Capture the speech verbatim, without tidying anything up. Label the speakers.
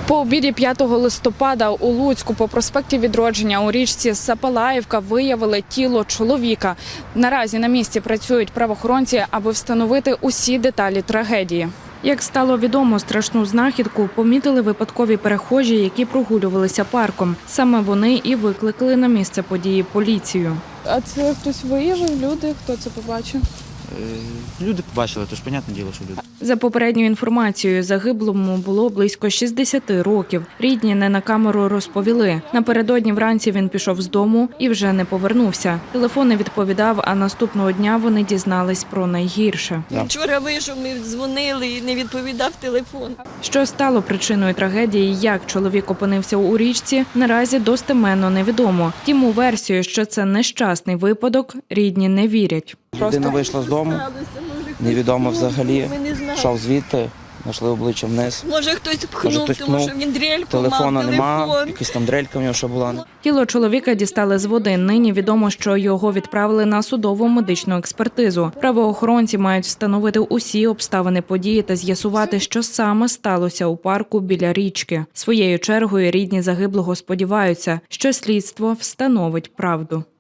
Speaker 1: По обіді п'ятого листопада у Луцьку по проспекті Відродження у річці Сапалаївка виявили тіло чоловіка. Наразі на місці працюють правоохоронці, аби встановити усі деталі трагедії. Як стало відомо, страшну знахідку помітили випадкові перехожі, які прогулювалися парком. Саме вони і викликали на місце події поліцію. А це хтось виявив, люди? Хто це побачив?
Speaker 2: Люди побачили, тож, понятне діло, що люди.
Speaker 1: За попередньою інформацією, загиблому було близько шістдесяти років. Рідні не на камеру розповіли. Напередодні вранці він пішов з дому і вже не повернувся. Телефон не відповідав, а наступного дня вони дізнались про найгірше.
Speaker 3: Да. Вчора вийшов, ми дзвонили і не відповідав телефон.
Speaker 1: Що стало причиною трагедії, як чоловік опинився у річці, наразі достеменно невідомо. Втім, у версію, що це нещасний випадок, рідні не вірять.
Speaker 4: Людина вийшла з дому, невідомо взагалі, йшов звідти, знайшли обличчя вниз.
Speaker 3: Може хтось пхнув,
Speaker 4: Може, хтось
Speaker 3: тому
Speaker 4: пхнув.
Speaker 3: що він дрельку
Speaker 4: Телефона
Speaker 3: мав,
Speaker 4: нема,
Speaker 3: телефон.
Speaker 4: якась там дрелька в нього ще була.
Speaker 1: Тіло чоловіка дістали з води. Нині відомо, що його відправили на судову медичну експертизу. Правоохоронці мають встановити усі обставини події та з'ясувати, що саме сталося у парку біля річки. Своєю чергою рідні загиблого сподіваються, що слідство встановить правду.